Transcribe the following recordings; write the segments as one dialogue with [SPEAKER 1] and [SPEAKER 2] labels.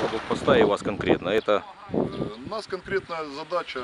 [SPEAKER 1] задача блокпоста и вас конкретно? Это...
[SPEAKER 2] У нас конкретная задача,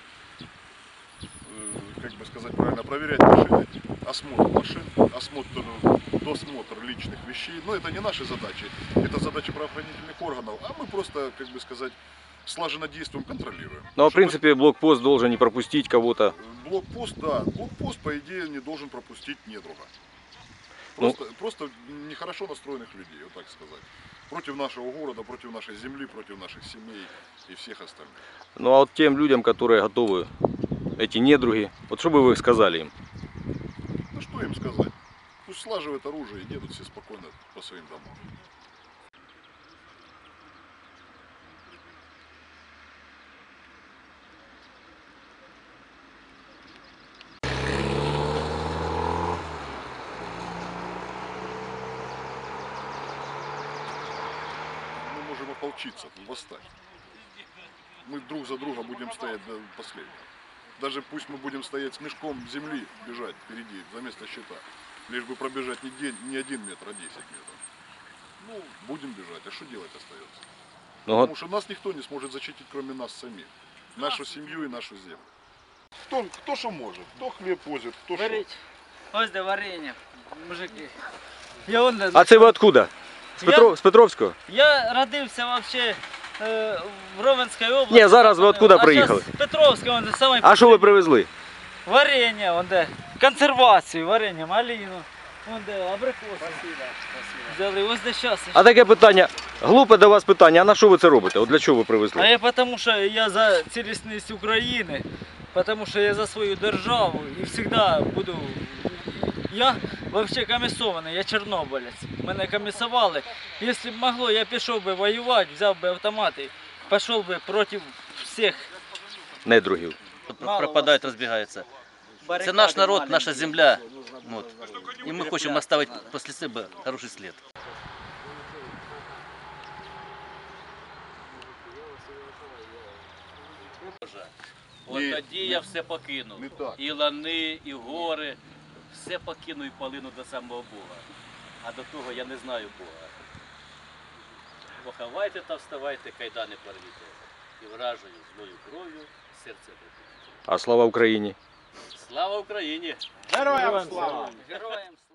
[SPEAKER 2] как бы сказать правильно, проверять машины, осмотр машин, досмотр личных вещей. Но это не наши задачи, это задачи правоохранительных органов, а мы просто, как бы сказать, слаженно действуем, контролируем.
[SPEAKER 1] Ну, в принципе, блокпост должен не пропустить кого-то.
[SPEAKER 2] Блокпост, да, блокпост, по идее, не должен пропустить недруга. Просто нехорошо настроенных людей, вот так сказать. Против нашего города, против нашей земли, против наших семей и всех остальных.
[SPEAKER 1] Ну а вот тем людям, которые готовы, эти недруги, вот что бы вы сказали им?
[SPEAKER 2] Ну что им сказать? Пусть слаживают оружие и едут все спокойно по своим домам. Мы можем ополчиться, восстать. Мы друг за друга будем стоять до последнего. Даже пусть мы будем стоять с мешком земли, бежать впереди, за место щита. Лишь бы пробежать не 1 метр, а 10 метров. Ну, будем бежать, а что делать остается? Потому что нас никто не сможет защитить, кроме нас самих. Нашу семью и нашу землю. Кто что может, кто хлеб возит, кто что.
[SPEAKER 3] Ось де варенье, мужики.
[SPEAKER 1] А це ви откуда? З Петровського?
[SPEAKER 3] Я родився вообще в Ровенській області.
[SPEAKER 1] Ні, зараз ви откуда приїхали?
[SPEAKER 3] З Петровського, он самий.
[SPEAKER 1] А що ви привезли?
[SPEAKER 3] Варенье, он де, консервацію, варенье, малину, он де, абрикоси. Взяли, ось де щас.
[SPEAKER 1] А таке питання, глупе до вас питання, а на що ви це робите? От для чого ви привезли?
[SPEAKER 3] А я тому, що я за цілісність України, тому що я за свою державу і завжди буду. Я взагалі комісований, я чорнобилець. Мене комісували. Якщо б могло, я пішов би воювати, взяв би автомат і пішов би проти всіх.
[SPEAKER 1] Недругів.
[SPEAKER 4] Пропадають, розбігаються. Це наш народ, наша земля. Вот. І ми хочемо оставити після себе хороший слід. От тоді я все покину. І лани, і гори. Все покину і полину до самого Бога. А до того я не знаю Бога. Поховайте та вставайте, кайдани порвіте. І вражою злою кров'ю серце припиніть.
[SPEAKER 1] А слава Україні!
[SPEAKER 4] Слава Україні!
[SPEAKER 3] Героям слава! Героям слава!